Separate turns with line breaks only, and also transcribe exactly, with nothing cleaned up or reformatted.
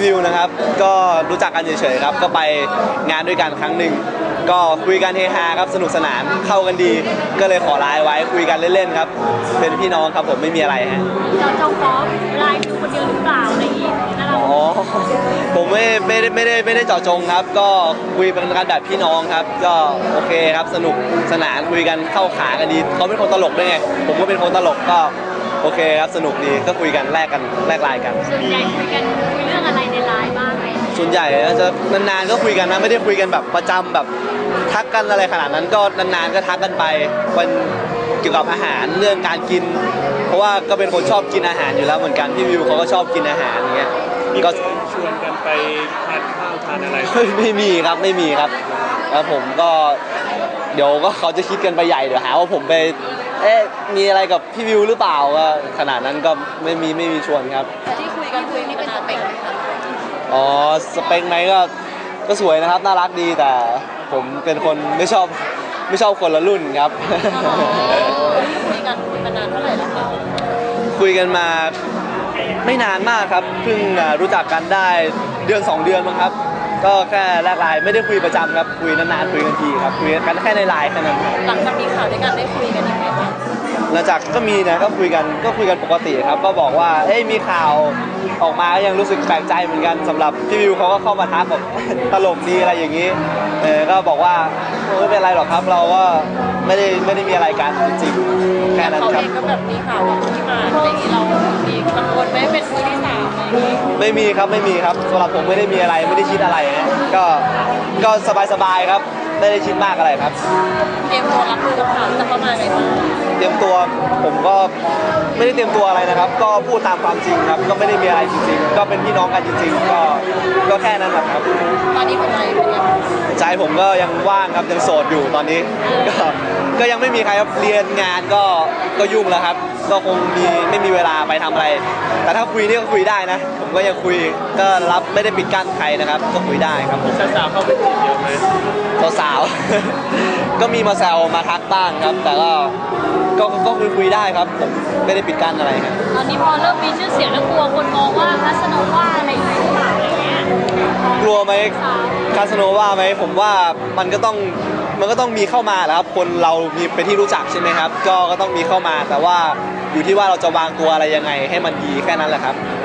วิวนะครับก็รู้จักกันเฉยๆครับก็ไปงานด้วยกันครั้งหนึ่งก็คุยกันเฮฮาครับสนุกสนานเข้ากันดีก็เลยขอไลน์ไว้คุยกันเล่นๆครับเป็นพี่น้องครับผมไม่มีอะไรฮะ
เจาะจงขอไลน์วิวคนเดียวหรือเปล่าอะไรอย่างงี้นะเรา
อ๋อผมไม่ไม่ได้ไม่ได้ไม่ได้เจาะจงครับก็คุยเป็นกันแบบพี่น้องครับก็โอเคครับสนุกสนานคุยกันเข้าขากันดีเขาเป็นคนตลกด้วยไงผมก็เป็นคนตลกก็โอเคครับสนุกดีก็คุยกันแลกกันแลกไลน์กัน
ส่วนใหญ่คุยกันคุยเรื่องอะไรในไลน์บ้างไหม
ส่วนใหญ่จะนานๆก็คุยกันนะไม่ได้คุยกันแบบประจำแบบทักกันอะไรขนาดนั้นก็นานๆก็ทักกันไปวันเกี่ยวกับอาหารเรื่องการกินเพราะว่าก็เป็นคนชอบกินอาหารอยู่แล้วเหมือนกันพี่วิวเขาก็ชอบกินอาหารอย่างเงี้ย
ก็ชวนกันไปทานข้าวทานอะไร
ไม่มีครับไม่มีครับแล้วผมก็เดี๋ยวก็เขาจะคิดกันไปใหญ่เดี๋ยวหาว่าผมไปเอ๊ะมีอะไรกับพี่วิวหรือเปล่าก็ขนาดนั้นก็ไม่มีไม่มีชวนครับ
ที่คุยกันคุยนี่เป็นสเปค
อ๋อสเปคไหมก็ก็สวยนะครับน่ารักดีแต่ผมเป็นคนไม่ชอบไม่ชอบคนละรุ่นครับ
คุยกันคุยมานานเท่าไหร่แล้วคะ
คุยกันมาไม่นานมากครับเพิ่งรู้จักกันได้เดือนสองเดือนมั้งครับก็แค่แลกไลน์ไม่ได้คุยประจำครับคุยนานๆคุยกันทีครับคุยกันแค่ในไลน์แค่นั้น
หลังจากมีข่าวด้วยกันได้คุยกันอีกไหมคะ
หลังจากก็มีนะก็คุยกันก็คุยกันปกติครับก็บอกว่าเอ้ยมีข่าวออกมาก็ยังรู้สึกแปลกใจเหมือนกันสำหรับพี่วิวเขาก็เข้ามาทักแบบตลกดีอะไรอย่างนี้เออก็บอกว่าไม่เป็นไรหรอกครับเราก็ไม่ได้ไม่ได้มีอะไรกันจริงๆแค่นั้นครับ
เขาเองก็แบบมีข่าวแบบที่มาอะไรอย่างนี้เรามีกังวลไหมเป็นมือที่สามอะไรอย่างนี้
ไม่มีครับไม่มีครับสำหรับผมไม่ได้มีอะไรไม่ได้คิดอะไรนะก็ก็สบายๆครับไม่ได้คิดมากอะไรครับ
เตรียมตัวรับมือกับข่าวจะเข้ามาไงบ้าง
เตรียมตัวผมก็ไม่ได้เตรียมตัวอะไรนะครับก็พูดตามความจริงครับก็ไม่ได้มีอะไรจริงๆก็เป็นพี่น้องกันจริงๆก็ก็แค่นั้นครับ
ตอนนี้หัวใจเป็นยังไง
ใจผมก็ยังว่างครับยังโสดอยู่ตอนนี้ก็ก็ยังไม่มีใครครับเรียนงานก็ก็ยุ่งแล้วครับก็คงมีไม่มีเวลาไปทำอะไรแต่ถ้าคุยนี่ก็คุยได้นะผมก็ยังคุยก็รับไม่ได้ปิดกั้นใครนะครับก็คุยได้ครับผม
สาวๆเข้าไปจีบเยอะไหม
สาวๆก็มีมาแซวมาทักบ้างครับแต่ก็ก็ก็คุยคุยได้ครับผมไม่ได้ปิดกั้นอะไรครับ
ตอนนี้พอเริ่มมีชื่อเสียงแล้วกลัวคนมองว่าคาสโนว่าอะไรหรือเปล่าอะไรเงี้ย
กลัวไหมคาสโนว่าไหมผมว่ามันก็ต้องมันก็ต้องมีเข้ามาแหละครับคนเรามีเป็นที่รู้จักใช่ไหมครับก็ก็ต้องมีเข้ามาแต่ว่าอยู่ที่ว่าเราจะวางตัวอะไรยังไงให้มันดีแค่นั้นแหละครับ